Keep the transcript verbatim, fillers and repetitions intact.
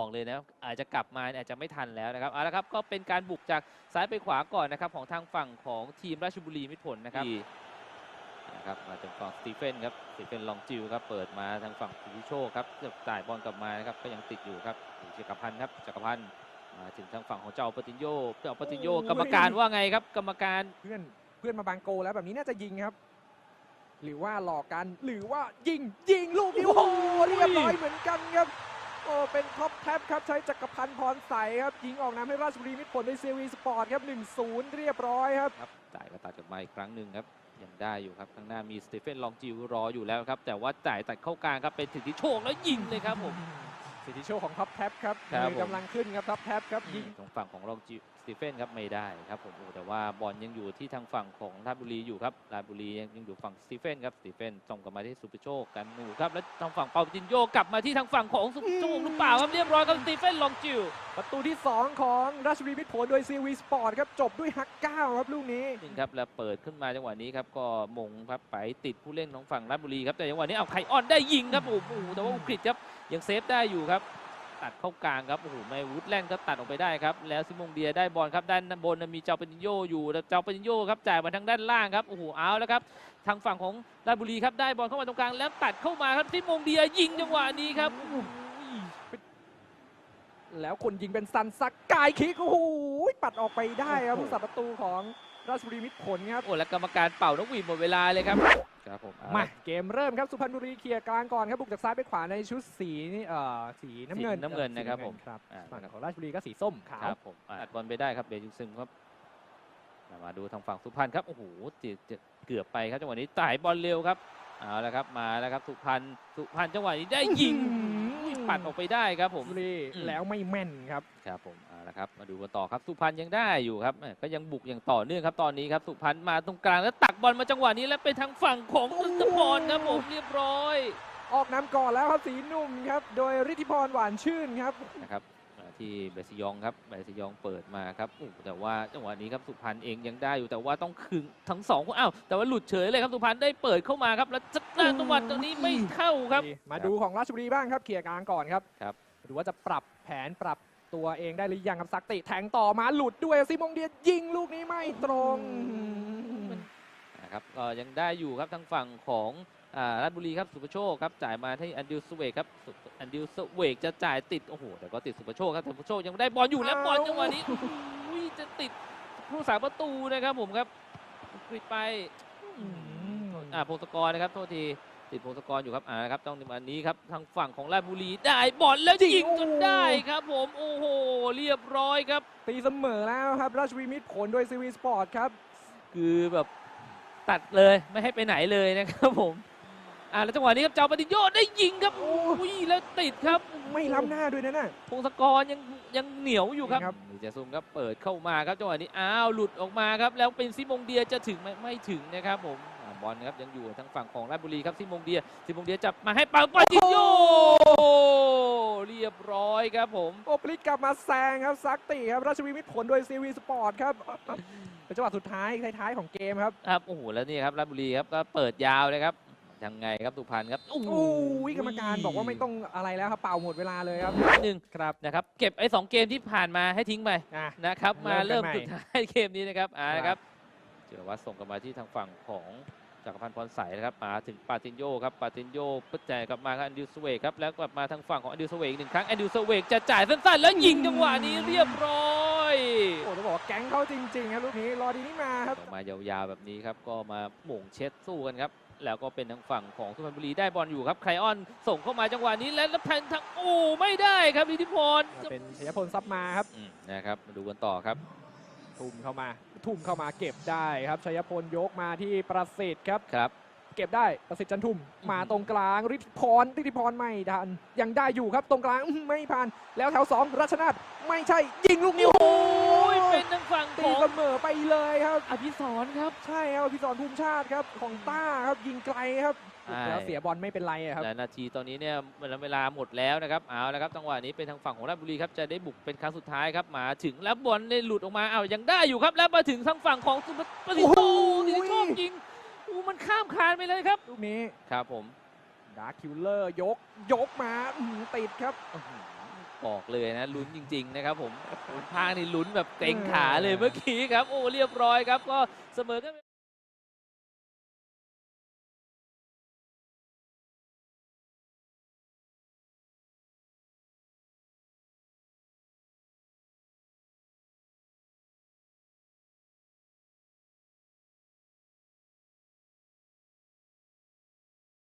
บอกเลยนะอาจจะกลับมาอาจจะไม่ทันแล้วนะครับเอาละครับก็เป็นการบุกจากซ้ายไปขวาก่อนนะครับของทางฝั่งของทีมราชบุรีมิตรผลนะครับนะครับมาจากฝั่งสตีเฟนครับสตีเฟนลองจิวครับเปิดมาทางฝั่งสุวิโชคครับจ่ายบอลกลับมานะครับก็ยังติดอยู่ครับจักรพันธ์ครับจักรพันธ์มาถึงทางฝั่งของเจ้าปติญโยเจ้าปติญโยกรรมการว่าไงครับกรรมการเพื่อนเพื่อนมาบางโกแล้วแบบนี้น่าจะยิงครับหรือว่าหลอกกันหรือว่ายิงยิงลูกนี้โอ้โหเรียบร้อยเหมือนกันครับโอ้เป็นท็อปแท็บครับใช้จักรพันธ์พรใสครับยิงออกน้ำให้ราชบุรีมิตรผลในซีวีสปอร์ตครับ หนึ่งศูนย์ เรียบร้อยครับครับจ่ายกระตัดกลับมาอีกครั้งหนึ่งครับยังได้อยู่ครับข้างหน้ามีสตีเฟนลองจิวรออยู่แล้วครับแต่ว่าจ่ายตัดเข้ากลางครับเป็นสิทธิโชคแล้วยิงเลยครับผมสิทธิโชคของท็อปแท็บครับกำลังขึ้นครับท็อปแท็บครับยิงตรงฝั่งของลองจิวสตีเฟนครับไม่ได้ครับผมแต่ว่าบอลยังอยู่ที่ทางฝั่งของราชบุรีอยู่ครับราชบุรียังอยู่ฝั่งสตีเฟนครับสตีเฟนส่งกลับมาที่สุภโชคกันหนูครับแล้วทางฝั่งเปาจินโยกลับมาที่ทางฝั่งของสุภโชคหรือเปล่าครับเรียบร้อยครับสตีเฟนลองจิวประตูที่สองของราชบุรีมิตรผลโดยซีวีสปอร์ตครับจบด้วยฮักเก้าครับลูกนี้จริงครับแล้วเปิดขึ้นมาจังหวะนี้ครับก็มงครับไปติดผู้เล่นของฝั่งราชบุรีครับแต่จังหวะนี้เอาไคออนได้ยิงครับโอ้โหแต่ว่าอุกฤษครับยังเซฟได้อยู่ครับตัดเข้ากลางครับโอ้โหไม่วูดแลนด์ก็ตัดออกไปได้ครับแล้วซิมงเดียได้บอลครับด้านบนมีเจ้าปนิโยอยู่เจ้าปนิโยครับจ่ายมาทางด้านล่างครับโอ้โหเอาแล้วครับทางฝั่งของราชบุรีครับได้บอลเข้ามาตรงกลางแล้วตัดเข้ามาครับซิมงเดียยิงจังหวะนี้ครับแล้วคนยิงเป็นซันซักกายคิกโอ้โหปัดออกไปได้ครับผู้สับประตูของราชบุรีมิตรผลครับโอ้แล้วกรรมการเป่านกหวีดหมดเวลาเลยครับครับผมมาเกมเริ่มครับสุพรรณบุรีเคลียร์กลางก่อนครับบุกจากซ้ายไปขวาในชุดสีนี่เอ่อสีน้ำเงินน้ำเงินนะครับผมครับฝั่งของราชบุรีก็สีส้มขาวครับผมอัดบอลไปได้ครับเบยุซึมครับมาดูทางฝั่งสุพรรณครับโอ้โหเกือบไปครับจังหวะนี้จ่ายบอลเร็วครับเอาละครับมาแล้วครับสุพรรณสุพรรณจังหวะนี้ได้ยิงปัดออกไปได้ครับผมแล้วไม่แม่นครับครับผมเอาละครับมาดูกันต่อครับสุพรรณยังได้อยู่ครับก็ยังบุกอย่างต่อเนื่องครับตอนนี้ครับสุพรรณมาตรงกลางแล้วตักบอลมาจังหวะนี้แล้วไปทางฝั่งของฤทธิพรครับผมเรียบร้อยออกนำก่อนแล้วครับสีนุ่มครับโดยฤทธิพรหวานชื่นครับนะครับที่เบสยองครับเบสยองเปิดมาครับแต่ว่าจังหวะนี้ครับสุพรรณเองยังได้อยู่แต่ว่าต้องคืนทั้งสองคนอ้าวแต่ว่าหลุดเฉยเลยครับสุพรรณได้เปิดเข้ามาครับแล้วจัดการจังหวะตรงนี้ไม่เข้าครับมาดูของราชบุรีบ้างครับเคลียร์กลางก่อนครับครับดูว่าจะปรับแผนปรับตัวเองได้หรือยังครับซักติแทงต่อมาหลุดด้วยซิมงเดียยิงลูกนี้ไม่ตรงนะครับก็ยังได้อยู่ครับทางฝั่งของราชบุรีครับสุภโชคครับจ่ายมาที่อันดิวสเวกครับอันดิวสเวกจะจ่ายติดโอ้โหแต่ก็ติดสุภโชคครับสุภโชคยังได้บอลอยู่แล้วบอลจังหวะนี้จะติดผู้สาประตูนะครับผมครับกริดไปอ่าพงศกรนะครับโทษทีติดพงศกรอยู่ครับอ่าครับต้องในวันนี้ครับทางฝั่งของราชบุรีได้บอลแล้วยิงจนได้ครับผมโอ้โหเรียบร้อยครับตีเสมอแล้วครับราชบุรีมิตรผลโดยซีวีสปอร์ตครับคือแบบตัดเลยไม่ให้ไปไหนเลยนะครับผมอ่าแล้วจังหวะนี้ครับเจ้าปฏิโยชน์ได้ยิงครับโอ้ยแล้วติดครับไม่ล้ำหน้าด้วยนะน่ะพงศกรยังยังเหนียวอยู่ครับนี่จะซุ่มครับเปิดเข้ามาครับจังหวะนี้อ้าวหลุดออกมาครับแล้วเป็นซิมงเดียจะถึงไหมไม่ถึงนะครับผมบอลครับยังอยู่ทางฝั่งของราชบุรีครับซิมงเดียซิมงเดียจับมาให้เปาปฏิโยเรียบร้อยครับผมโอปลิกกลับมาแซงครับซักติครับราชบุรีมิตรผลโดยซีวีสปอร์ตครับเป็นจังหวะสุดท้ายท้ายๆของเกมครับครับโอ้โหแล้วนี่ครับราชบุรีครับก็เปิดยาวเลยครับยังไงครับสุพรรณครับโอ้โหกรรมการบอกว่าไม่ต้องอะไรแล้วครับเป่าหมดเวลาเลยครับหนึ่งครับนะครับเก็บไอ้สองเกมที่ผ่านมาให้ทิ้งไปนะครับมาเริ่มสุดท้ายเกมนี้นะครับอ่าครับเจอวัดส่งกลับมาที่ทางฝั่งของจักรพันธ์พรใสนะครับมาถึงปาตินโยครับปาตินโยปุ๊บจ่ายกลับมาครับแอนดิวสเวกครับแล้วกลับมาทางฝั่งของแอนดิวสเวกหนึ่งครั้งแอนดิวสเวกจะจ่ายสั้นๆแล้วยิงจังหวะนี้เรียบร้อยโอ้ต้องบอกแก๊งเขาจริงๆครับลูกนี้รอดีนี่มาครับมายาวๆแบบนี้ครับก็มาหม่งเช็ดสู้กันครับแล้วก็เป็นทางฝั่งของสุพรรณบุรีได้บอลอยู่ครับไคออนส่งเข้ามาจังหวะนี้และรับแทนทางโอ้ไม่ได้ครับฤทธิพรเป็นชัยพลซับมาครับนะครับมาดูกันต่อครับทุ่มเข้ามาทุ่มเข้ามาเก็บได้ครับชัยพลยกมาที่ประสิทธิ์ครับครับเก็บได้ประสิทธิ์จันทุ่มมาตรงกลางฤทธิพรฤทธิพรไม่ทันยังได้อยู่ครับตรงกลางไม่ผ่านแล้วแถวสองรัชนาทไม่ใช่ยิงลูกนี้โอ้ยเป็นทางฝั่งของเสมอไปเลยครับอภิสรครับใช่ครับอภิสรภูมิชาติครับของต้าครับยิงไกลครับแล้วเสียบอลไม่เป็นไรครับและนาทีตอนนี้เนี่ยเวลาหมดแล้วนะครับเอาละครับจังหวะนี้เป็นทางฝั่งของราชบุรีครับจะได้บุกเป็นครั้งสุดท้ายครับมาถึงแล้วบอลได้หลุดออกมาเอายังได้อยู่ครับแล้วมาถึงทางฝั่งของสุพรรณบุรีโอ้ดีชอบยิงอู้มันข้ามคานไปเลยครับลูกนี้ครับผมดาร์คคิลเลอร์ยกยกมาติดครับตบอกเลยนะลุ้นจริงๆนะครับผมคุณภาคนี่ลุ้นแบบเกรงขาเลยเมื่อกี้ครับโอ้เรียบร้อยครับก็เสมอกัน